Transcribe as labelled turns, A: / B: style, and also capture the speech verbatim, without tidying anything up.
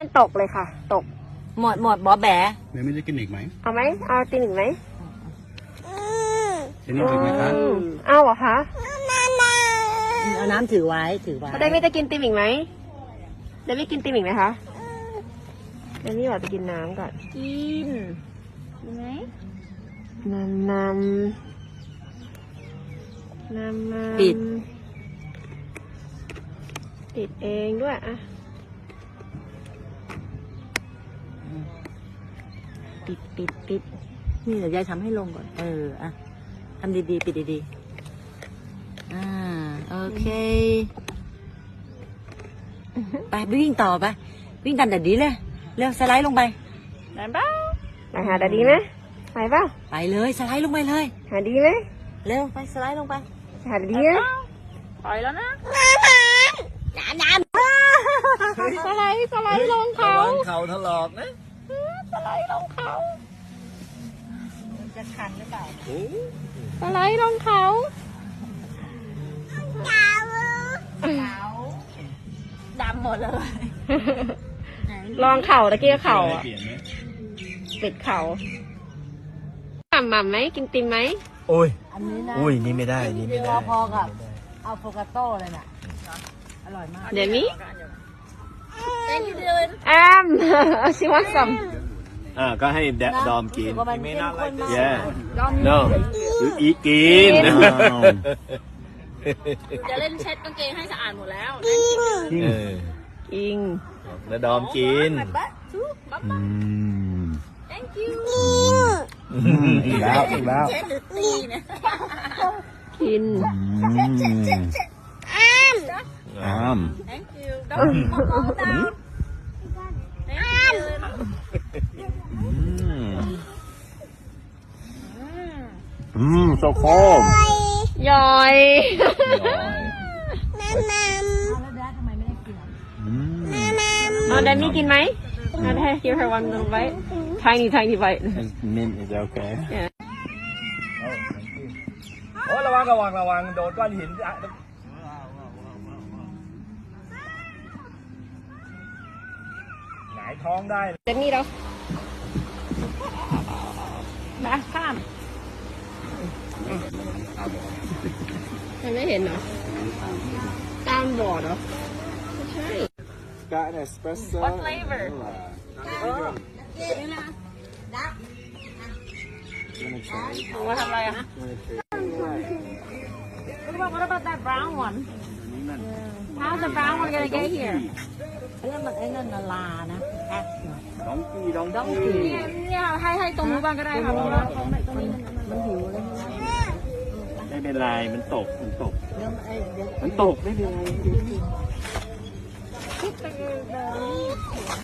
A: ตกเลยค่ะ ตก
B: หมดหมดบอแบะ
C: เมย์ไม่จะกินอีกไหม
A: เอาไหมเอาตินอีกไหม
C: จะนี่อีกไหมคะ
A: อืมเอาเหรอคะ
B: เอาน้ำถือไว้ถือไว้
A: ได้ไม่จะกินติมอีกไหมได้ไม่กินติมอีกไหมคะเดนี่ว่าจะกินน้ำก่อน
B: กินกินไหม
A: น้ำน้ำน้ำน้ำ
B: ปิด
A: ปิดเองด้วยอะ
B: ปิดปิดปิดนี่เดี๋ยวยายทำให้ลงก่อนเอออะทำดีๆปิดดีๆอ่าโอเคไปวิ่งต่อไปวิ่งตามแต่ดีเลยเร็วสไลด์ลงไปได้ปะ
A: ไปหาดาดีไหมไปเปล่า
B: ไปเลยสไลด์ลงไปเลย
A: หาดีไหม
B: เร็วไปสไลด์ลงไป
A: หาดาดีไหม
B: ปล่อยแล้วนะน้ำน้ำ
A: สไลด์สไลด์ลงเขา
D: ระวังเข่าถลอกนะ
A: สไลด์ลงเขา
B: จะคันหรือเปล่า
A: สไลด์ลงเขา
B: ดำหมดเลย
A: ลองเข่าตะเกียเข่าอ่ะ
C: เปลี่ยนไหม
A: ปิดเข่าหม่ำหม่ำไหมกินติมไหม
D: โอ้ย
B: อันนี้นะ
D: อุ้ยนี่ไม่ได้นี่ไม่ได้
B: พอกับอัลโฟกาโต้เลยน่ะอร่อยมาก
A: เดี๋ยวนี้
B: Thank you Dylan
A: แอม ชิวันซัม
D: อ่าก็ให้แดะดอมกิน
B: รู้สึว่ามันเข้มข้นมาก
D: yeah no หรืออีกิน
B: จะเล่นเช็ดกางเกงให้สะอาดหมดแล้ว
D: เออ
A: อิง
D: แล้วดอมกิน
C: อืม
B: Thank you
C: อีกแล้วอีกแล้ว
B: เช็ดหรือตีเนี่ย
A: กิน
C: อ้าม
B: Thank you Don't fall down Thank you
C: อืมโซโคม
A: ย่อย
B: แล้วแดดทำไมไม่ได้กินอ่ะ
C: อืม
A: เอาแดนนี่กินไหมเอาได้ give her one little bite tiny tiny bite
C: mint is okay
D: โอ้ระวังระวังระวังโดนก้อนหินอ่ะหงายท้องได้
A: แดนนี่เรามาข้ามมันไม่เห็นเหรอตามบอร์ดเหรอไม่ใช่
C: Got an espresso
B: What flavor
A: ว่าทำอะไรอ่ะ
B: What about what about that brown one How's the brown one gonna get here เรื่องมันไอ้นั่นน่ะลานะแอป
C: ดองกี้ดอง
B: ต้อง
C: กี้
B: กิน
A: เนี่ยให้ให้ตรงนู้นบ้างก็ได้ค่ะเพราะว่า
B: มันหิวเลย
C: ไม่เป็นไรมันตกมันตก
B: เดี๋ยวไอ้เดี๋ยว
C: มันตกไม่เป็นไร